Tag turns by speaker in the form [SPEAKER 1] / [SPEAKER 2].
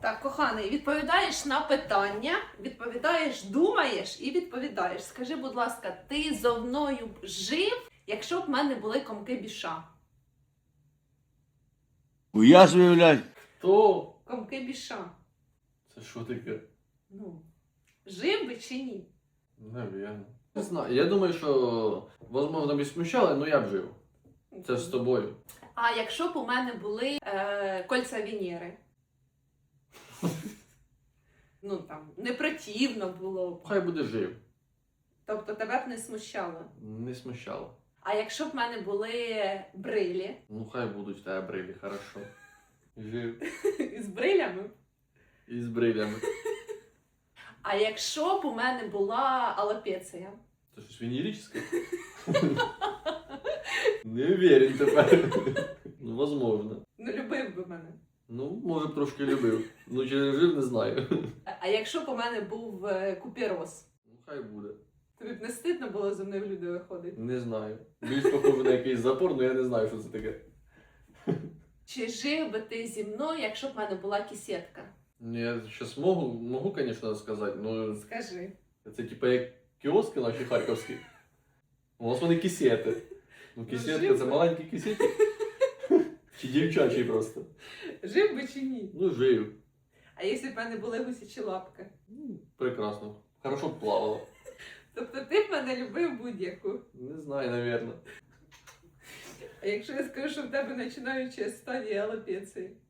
[SPEAKER 1] Так, коханий, відповідаєш на питання, відповідаєш, думаєш і відповідаєш. Скажи, будь ласка, ти зо мною б жив, якщо б в мене були комки біша?
[SPEAKER 2] Я ж виявляю.
[SPEAKER 3] То
[SPEAKER 1] Комки біша.
[SPEAKER 3] це що таке?
[SPEAKER 1] Ну, жив би чи ні?
[SPEAKER 3] Навірно. Не знаю. Я думаю, що, можливо, б і смущало, але я б жив. Це ж з тобою.
[SPEAKER 1] А якщо б у мене були кольця Венери? Ну там, не противно було б.
[SPEAKER 3] Хай буде жив.
[SPEAKER 1] Тобто тебе б не смущало.
[SPEAKER 3] Не смущало.
[SPEAKER 1] А якщо б в мене були брилі
[SPEAKER 3] Ну хай будуть в тебе брилі, хорошо. Жив.
[SPEAKER 1] з брилями?
[SPEAKER 3] І з брилями.
[SPEAKER 1] А якщо б у мене була алопеція?
[SPEAKER 3] Це щось венерическое? Не уверен тепер. Ну, возможно.
[SPEAKER 1] Ну, любив би мене.
[SPEAKER 3] Ну, може б трошки любив. Ну, чи жив, не знаю.
[SPEAKER 1] А якщо б у мене був купірос?
[SPEAKER 3] Ну, хай буде.
[SPEAKER 1] Тобі б не стидно було зі мною в люди виходити?
[SPEAKER 3] Не знаю. Більш похоже на якийсь запор, але я не знаю, що це таке.
[SPEAKER 1] Чи жив би ти зі мною, якщо б в мене була кисетка?
[SPEAKER 3] Ну, я зараз можу, звісно, сказати, ну,
[SPEAKER 1] Скажи.
[SPEAKER 3] це типа як кіоски наші харківські. У нас вони кисети. Ну, кисетка
[SPEAKER 1] жив
[SPEAKER 3] це
[SPEAKER 1] би.
[SPEAKER 3] маленький кисетик. Чи дівчачий просто.
[SPEAKER 1] Жив би чи ні?
[SPEAKER 3] Ну, жив.
[SPEAKER 1] А якщо б в мене були гусячі лапки?
[SPEAKER 3] Ну, прекрасно. Хорошо б плавало.
[SPEAKER 1] Тобто ти б мене любив будь-яку.
[SPEAKER 3] Не знаю, навірно.
[SPEAKER 1] А якщо я скажу, що в тебе починаюча стадія алопеції?